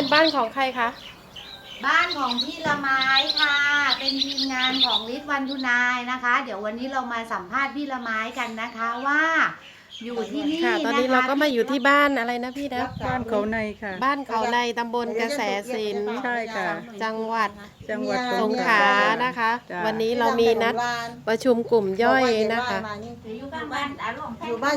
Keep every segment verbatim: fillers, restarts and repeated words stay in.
เป็นบ้านของใครคะบ้านของพี่ละไม้ค่ะเป็นทีมงานของฤทธิ์วันทุนายนะคะเดี๋ยววันนี้เรามาสัมภาษณ์พี่ละไม้กันนะคะว่าอยู่ที่นี่ค่ะตอนนี้นะคะเราก็มาอยู่ที่บ้านอะไรนะพี่นะบ้านเขาในค่ะบ้านเขาในตำบลกระแสสินใช่ค่ะจังหวัดจังหวัดสงขลานะคะจ้ะวันนี้เรามีนัดประชุมกลุ่มย่อยนะคะอยู่บ้านอารมณ์อยู่บ้าน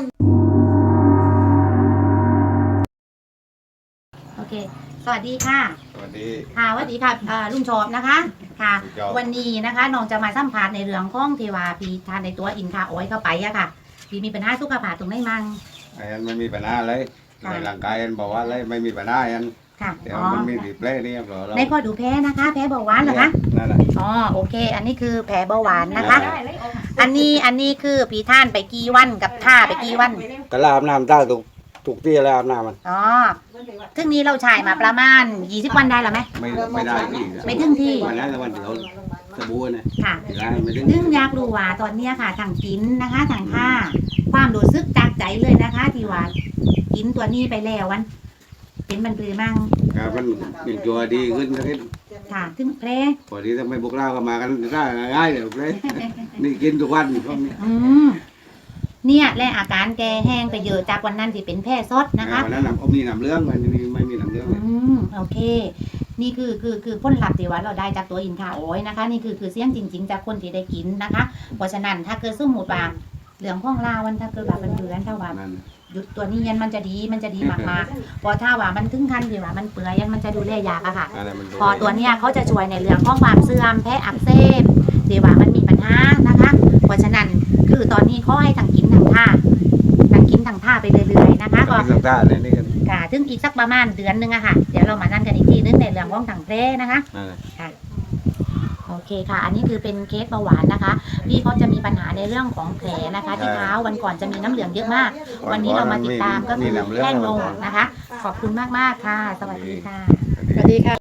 โอเคสวัสดีค่ะสวัสดีค่ะสวัสดีค่ะเอ่อลุงชอบนะคะค่ะลุงชอบวันนี้นะคะน้องจะมาสัมภาษณ์ในเรื่องของเทวาปีทานในตัวอินคาโอ้อยเข้าไปอะค่ะพี่มีปัญหาสุขภาพตรงไหนมั่งไอ้อันไม่มีปัญหาเลยค่ะในร่างกายอันบอกว่าเลยไม่มีปัญหาอันค่ะเดี๋ยวอ๋อมันมีดีเพลย์นี่ครับเราในข้อดูแพ้นะคะ แพ้เบาหวานเหรอคะนั่นแหละอ๋อโอเค อันนี้คือแผลเบาหวานนะคะได้อันนี้อันนี้คือผีท่านไปกี่วันกับท่าไปกี่วันก็ลาบน้ำตาถูกถูกที่แล้วอาบน้ำมันอ๋อซึ่งนี้เราฉายมาประมาณยี่สิบวันได้หรือไหมไม่ไม่ได้ที่ไม่ถึงที่วันนั้นแต่วันเดียวสบู่นะค่ะเวลาไม่ถึงซึ่งอยากรู้ว่าตอนเนี้ยค่ะทางกินนะคะทางท่าความรู้สึกจากใจเลยนะคะ ที่ว่ากินตัวนี้ไปแล้ววันเป็นมันปรือมั่งครับมันอย่างตัวดีขึ้นสักนิดค่ะถึงแผลพอดีถ้าไม่บุกเล่าก็มากันได้ง่ายๆเดี๋ยวเลยนี่กินทุกวันช่วงนี้อืมเนี่ยและอาการแกแห้งไปเยอะจากวันนั้นที่เป็นแพร่ซดนะคะวันนั้นน้ำมีน้ำเรื่องวันนี้ไม่มีน้ำเรื่องอืมโอเค นี่คือคือคือผลลัพธ์ที่ว่าเราได้จากตัวอินทาโอยนะคะ นี่คือคือเสียงจริง ๆ จากคนที่ได้กินนะคะ เพราะฉะนั้นถ้าเกิดสมมติว่าเหลืองข้องลาวันถ้าเกิดว่ามันอยู่กันถ้าว่านั่นหยุดตัวนี้ยันมันจะดีมันจะดีมากๆพอถ้าว่ามันถึงขั้นที่ว่ามันเปื่อยยันมันจะดูแลยากอะค่ะนั่นแหละมันพอตัวเนี้ยเขาจะช่วยในเรื่องของความเสื่อมแพ้อักเสบที่ว่ามันมีปัญหานะคะ เพราะฉะนั้นคือตอนนี้เขาให้ทางกินทางท่าทางกินทางท่าไปเรื่อยๆนะคะก็กินต่างๆเลยนี่กันค่ะถึงอีกสักประมาณเดือนหนึงอะค่ะ เดี๋ยวเรามานั่นกันอีกทีนึงในเรื่องของถังแพร่นะคะนั่นแหละค่ะ โอเคค่ะ อันนี้คือเป็นเคสเบาหวานนะคะ พี่เขาจะมีปัญหาในเรื่องของแผลนะคะ ที่เท้าวันก่อนจะมีน้ำเหลืองเยอะมาก วันนี้เรามาติดตามก็คือแห้งลงนะคะ ขอบคุณมากๆค่ะ สวัสดีค่ะสวัสดีค่ะ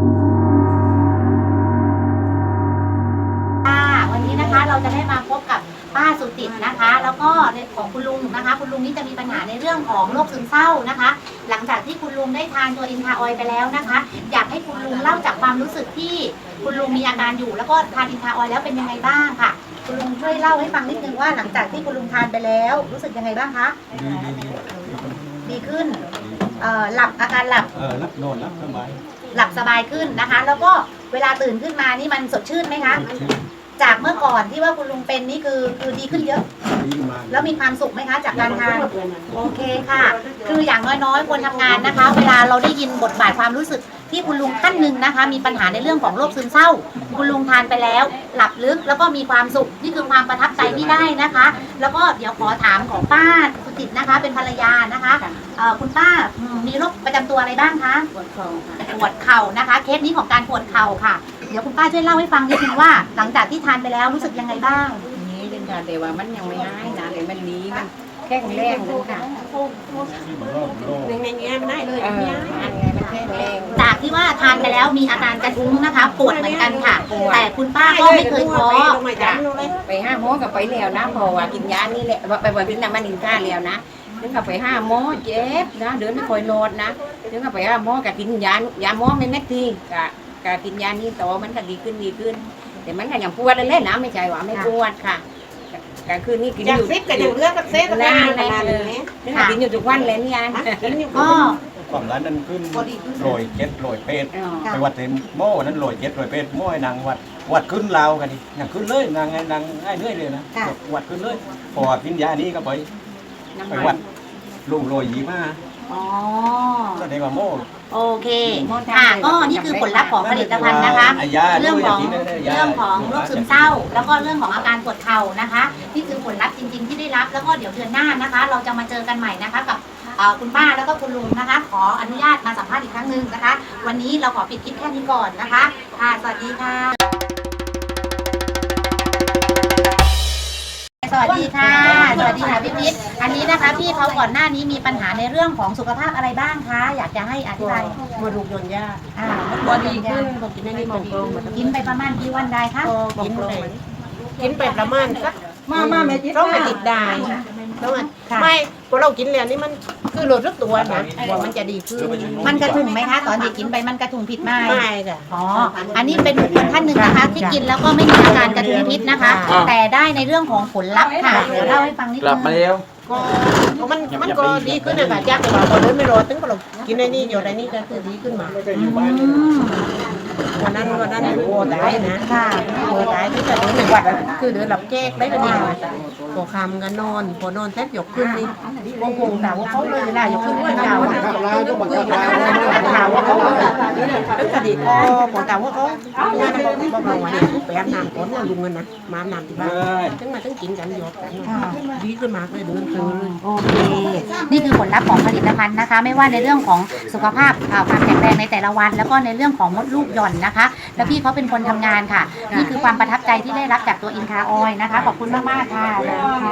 ค่ะวันนี้นะคะเราจะได้มาพบกับป้าสุติดนะคะ แล้วก็ในของคุณลุงนะคะ คุณลุงนี่จะมีปัญหาในเรื่องของโรคซึมเศร้านะคะ หลังจากที่คุณลุงได้ทานตัวอินทาออยล์ไปแล้วนะคะ อยากให้คุณลุงเล่าจากความรู้สึกที่คุณลุงมีอาการอยู่ แล้วก็ทานอินทาออยล์แล้วเป็นยังไงบ้างค่ะ คุณลุงช่วยเล่าให้ฟังนิดนึงว่าหลังจากที่คุณลุงทานไปแล้วรู้สึกยังไงบ้างคะดีดีดีดีขึ้นเอ่อหลับอาการหลับเออรับนอนรับสบายหลับสบายขึ้นนะคะ แล้วก็เวลาตื่นขึ้นมานี่มันสดชื่นไหมคะชื่นจากเมื่อก่อนที่ว่าคุณลุงเป็นนี่คือคือดีขึ้นเยอะดีมากแล้วมีความสุขไหมคะจากการทานโอเคค่ะ คืออย่างน้อยๆคนทำงานนะคะ เวลาเราได้ยินบทบาทความรู้สึกที่คุณลุงท่านหนึ่งนะคะ มีปัญหาในเรื่องของโรคซึมเศร้า คุณลุงทานไปแล้ว หลับลึกแล้วก็มีความสุขนี่คือความประทับใจที่ได้นะคะ แล้วก็เดี๋ยวขอถามของป้าสุจิตนะคะ เป็นภรรยานะคะเอ่อคุณป้าอืมมีโรคประจำตัวอะไรบ้างคะปวดคอค่ะปวดเข่านะคะ เคสนี้ของการปวดเข่าค่ะ เดี๋ยวคุณป้าช่วยเล่าให้ฟังนิดนึงว่า หลังจากที่ทานไปแล้วรู้สึกยังไงบ้างนี้เดินทางแต่ว่ามันยังไม่หายนะเลยมันหนี้มันแค่แรงนึงค่ะรอบโลกหนึ่งในนี้มันได้เลยอันนี้อันไงมันแค่แรงจากที่ว่าทานไปแล้วมีอาการกระทุ้งนะคะ ปวดเหมือนกันค่ะ แต่คุณป้าก็ไม่เคยท้อไปห้าโมงกับไปแล้วนะพอว่ากินยานี่แหละไปบ่อยกินน้ำมันอินท่าแล้วนะถึงกับไปห้าโมงเจ็บนะเดินไม่ค่อยโนดนะถึงกับไปห้าโมงกับกินยายาหมอไม่เม็ดทีกะกะกินยานี่ต่อมันก็ดีขึ้นดีขึ้น แต่มันก็ยังปวดเล่นๆนะไม่ใช่ว่าไม่ปวดค่ะก็คือนี่กินจากอยู่ซิปกับอย่างเลือกกับเซฟกับนั่นานนเลเลย ยนี่กินอยู่ทุกวันเลยนี่ยันก็ความร้านนั้นขึ้นโรยเจ็ดโรยเป็ดอ๋อไปวัดเต็มหม้อนั้นโรยเจ็ดโรยเป็ดหม้อนางวัดวัดขึ้นลาวกันดินางขึ้นเลยนางไงนางง่ายเรื่อยเลยนะวัดขึ้นเลยพอกินยานี้ก็ไปน้ำไปมัวัดนลุงโรยยีมาอ๋อแสดงว่าโม่โอเคค่ะก็นี่คือผลลัพธ์ของผลิตภัณฑ์นะคะไยาเรื่องของด้วยย่ากินได้ยาเรื่องของโรคซึมเศร้า แล้วก็เรื่องของอาการปวดเข่านะคะนี่คือผลลัพธ์จริง ๆ ที่ได้รับ แล้วก็เดี๋ยวเดือนหน้านะคะ เราจะมาเจอกันใหม่นะคะกับเอ่อคุณป้าแล้วก็คุณลุงนะคะ ขออนุญาตมาสัมภาษณ์อีกครั้งหนึ่งนะคะ วันนี้เราขอปิดคลิปแค่นี้ก่อนนะคะค่ะสวัสดีค่ะ สวัสดีค่ะ สวัสดีค่ะพี่พิษอันนี้นะคะพี่เขาก่อนหน้านี้มีปัญหาในเรื่องของสุขภาพอะไรบ้างคะ อยากจะให้อธิบายบวดูกยนยาอ่าบวดีขึ้นผมกินอันนี้บอกตรงกินไปประมาณกี่วันได้คะกินไปกินไปประมาณสักมามาไม่ติดต้องไปติดได้แล้วมันค่ะไม่พอเรากินแล้วนี่มันคือลดรึกตัวนะว่ามันจะดีขึ้นมันกระทุงไหมคะ ตอนที่กินไปมันกระทุงผิดไหมไม่ค่ะอ๋อ อันนี้เป็นบุคคลท่านหนึ่งนะคะ ที่กินแล้วก็ไม่มีอาการกระทุงพิษนะคะค่ะแต่ได้ในเรื่องของผลลัพธ์ค่ะเดี๋ยวเล่าให้ฟังนิดกลันึบงมาแล้วก็ก็มันมันก็ดีขึ้นนะคะจากที่ว่าพอเดินไม่รอดถึงพอเรากินไอ้นี่อยู่ไอ้นี่ก็คือดีขึ้นมาอืมวันนั้นวันนั้นโอ้ตายนะค่ะโอ้ตายที่จะเดินในวัดอะคือเดินหลับแจ๊กได้ก็ดีพอคำกันนอนพอนอนแทบยกขึ้นนี่วงวงถามว่าเขาเลยเวลายกขึ้นว่าถามว่าถามว่าเขาแล้วคดีก็พอถามว่าเขางานบอกบอกเราว่าเนี่ยไปอาบน้ำก่อนว่าลุงเงินนะมาอาบน้ำที่บ้านถึงมาถึงกินกันหยดกันดีขึ้นมากเลยเดินตื่นเลยโอเค นี่คือผลลัพธ์ของผลิตภัณฑ์นะคะ ไม่ว่าในเรื่องของสุขภาพอ่าความแข็งแรงในแต่ละวัน แล้วก็ในเรื่องของมดลูกหย่อนนะคะ แล้วพี่เขาเป็นคนทำงานค่ะ นี่คือความประทับใจที่ได้รับจากตัวอินคาออยนะคะ ขอบคุณมากๆค่ะค่ะ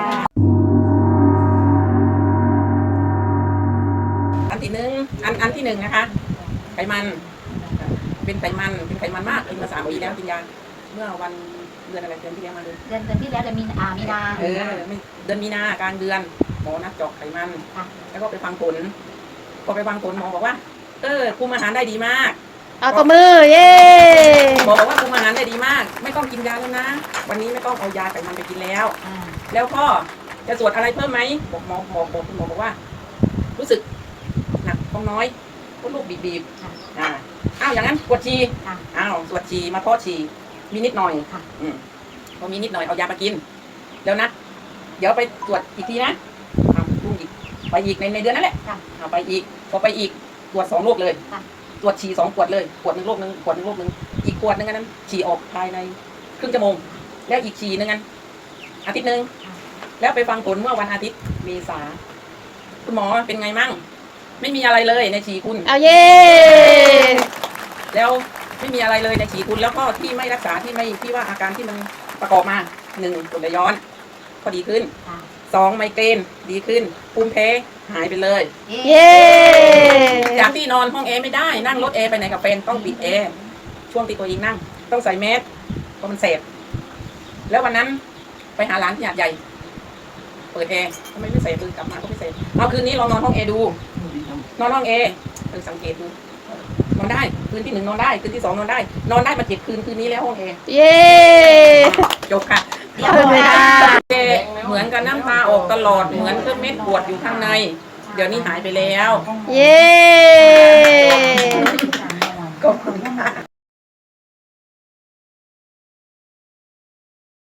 อันที่หนึ่งอันอันที่หนึ่งนะคะไขมันเป็นไขมันเป็นไขมันมากกินมาสามปีแล้วกินยาเมื่อวันเดือนอะไรเดือนที่แล้วมาเลยเดือนเดือนที่แล้วเดือนมีอามีนาเออไม่เดือนมีนากลางเดือนหมอนัดเจาะไขมันค่ะแล้วก็ไปฟังผลพอไปฟังผลหมอบอกว่าเออคุมอาหารได้ดีมากเอาตัวมือ เย้หมอบอกว่าคุมอาหารได้ดีมาก ไม่ต้องกินยาแล้วนะ วันนี้ไม่ต้องเอายาไขมันไปกินแล้วอ่าแล้วก็จะตรวจอะไรเพิ่มไหมบอกหมอหมอบอกคุณหมอบอกว่า รู้สึกหนักท้องน้อยก็ลูกบีบบีบๆอ่าอ้าวอย่างนั้นปวดฉี่ค่ะอ้าวตรวจฉี่มาเพาะฉี่มีนิดหน่อยค่ะอืมพอมีนิดหน่อยเอายามากินแล้วนะเดี๋ยวไปตรวจอีกทีนะอ้าวลุงอีกไปอีกในในเดือนนั่นแหละค่ะเอาไปอีกพอไปอีกตรวจสองโรคเลยค่ะตรวจฉี่สองขวดเลยขวดหนึ่งโรคหนึ่งขวดหนึ่งโรคหนึ่งอีกขวดหนึ่งอันนั้นฉี่ออกภายในครึ่งชั่วโมง แล้วอีกฉี่หนึ่งอันอาทิตย์หนึ่งแล้วไปฟังผลเมื่อวันอาทิตย์เมษาคุณหมอเป็นไงมั่งไม่มีอะไรเลยในฉี่คุณเอาเย้แล้วไม่มีอะไรเลยในฉี่คุณแล้วก็ที่ไม่รักษาที่ไม่ที่ว่าอาการที่มันประกอบมาหนึ่งกรดไหลย้อนก็ดีขึ้นค่ะสองไมเกรนดีขึ้นภูมิแพ้หายไปเลยเย้จากที่นอนห้องแอร์ไม่ได้นั่งรถแอร์ไปไหนกับแฟนต้องปิดแอร์ช่วงที่ตัวเองนั่ง ต้องใส่แมสเพราะมันเสพแล้ววันนั้นไปหาร้านที่หาดใหญ่ เปิดแอร์ทำไมไม่เสพคือกลับมาก็ไม่เสพเอาคืนนี้ลองนอนห้องแอร์ดู นอนห้องแอร์เออสังเกตดูนอนได้คืนที่หนึ่งนอนได้คืนที่สองนอนได้ นอนได้มาเจ็ดคืนคืนนี้แล้วห้องแอร์เย้จบค่ะเดี๋ยวค่ะเจ๊เหมือนกับน้ำตาออกตลอดเหมือนเครื่องเม็ดปวดอยู่ข้างใน เดี๋ยวนี้หายไปแล้วเย้ขอบคุณค่ะ